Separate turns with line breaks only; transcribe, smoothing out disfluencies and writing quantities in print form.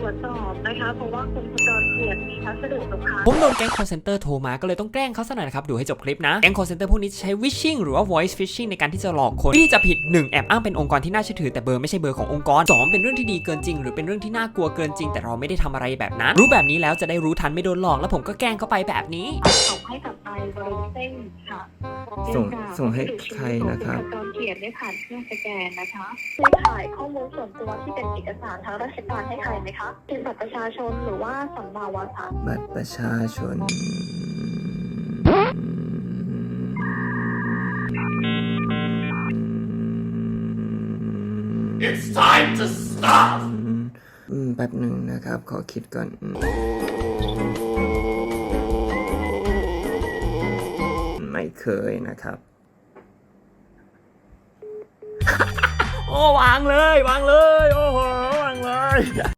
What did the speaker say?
วจสอบนะคะเพราะว่าคุณขจรเกียรติมีพัสดุตกค้าง
ผมโดนแก๊ง call center โทรมาก็เลยต้องแกล้งเขาซะหน่อยนะครับดูให้จบคลิปนะแก๊ง call center พวกนี้จะใช้ wishing หรือว่า voice phishing ในการที่จะหลอกคนวิธีจะผิด 1. แอบอ้างเป็นองค์กรที่น่าเชื่อถือแต่เบอร์ไม่ใช่เบอร์ขององค์กร 2. เป็นเรื่องที่ดีเกินจริงหรือเป็นเรื่องที่น่ากลัวเกินจริงแต่เราไม่ได้ทำอะไรแบบนั้นรู้แบบนี้แล้วจะได้รู้ทันไม่โดนหลอกแล้วผมก็แกล้งเขาไปแบบนี้
ส่งให้กับนายบริเส้นค่ะ
ส่งให้ใครนะครับ
ขจรเกียรติได้ผ่านเครื่องสแกนนะคะซื้อขายข้อมูลส่วนตัวที่เป็นเอกสารทางราชการให้ใครไหมคะเป็นบัตรประชาชนหรือว่าสำเนาวารสาร
บัตรประชาชน
It's time to stop
แป๊บหนึ่งนะครับขอคิดก่อนไม่เคยนะครับ โอ้วางเลย โอ้โหวางเลย